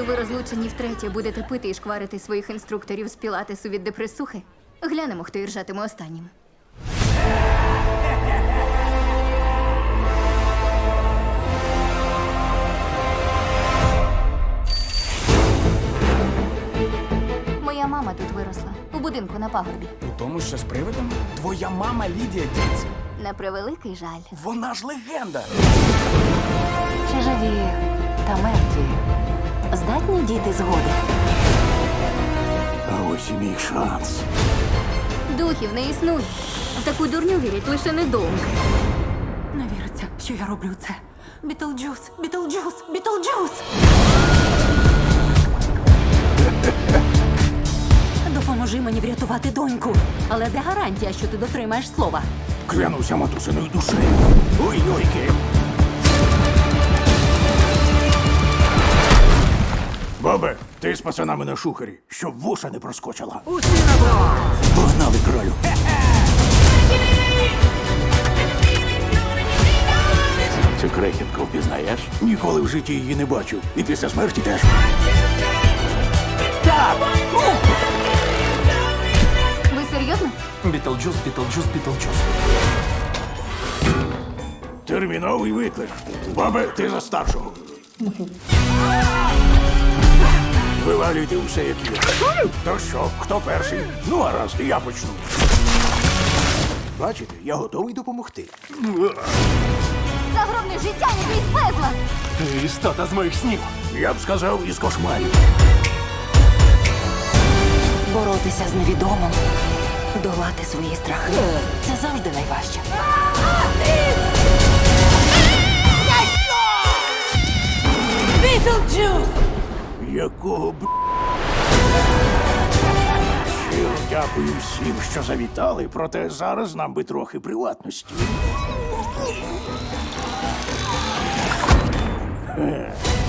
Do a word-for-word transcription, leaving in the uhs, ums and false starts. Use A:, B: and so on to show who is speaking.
A: Коли ви розлучені втретє будете пити і шкварити своїх інструкторів з пілатесу від депресухи, глянемо, хто іржатиме останнім. Моя мама тут виросла, у будинку на пагорбі.
B: У тому, що з привидом? Твоя мама Лідія Діц.
A: На превеликий жаль.
B: Вона ж легенда.
C: Чи живі та мертві здатні діти згоди?
D: А ось і мій шанс.
A: Духів не існує. В таку дурню вірять лише недовго.
C: Не віриться, що я роблю це. Бітлджус, Бітлджус, Бітлджус! Допоможи мені врятувати доньку. Але де гарантія, що ти дотримаєш слова?
D: Клянуся матусиною душею. Ой-йойки. Бабе, ти з пацанами на шухері, щоб вуша не проскочила.
B: Усі на борт!
D: Погнали, кралю. Цю крехітку впізнаєш? Ніколи в житті її не бачив. І після смерті теж.
B: Так!
A: Ви серйозно?
B: Бітлджус, Бітлджус, Бітлджус.
D: Терміновий виклик. Бабе, ти за старшого. Вивалюйте усе, як є. То що, хто перший? Ну, гаразд, я почну. Бачите, я готовий допомогти.
A: Загробне життя не крізь безла!
B: Ти істота з моїх снів.
D: Я б сказав, із кошмарів.
C: Боротися з невідомим, долати свої страхи. Це завжди найважче. Бітлджус!
D: Якого б... Щиро дякую всім, що завітали, проте зараз нам би трохи приватності. Е.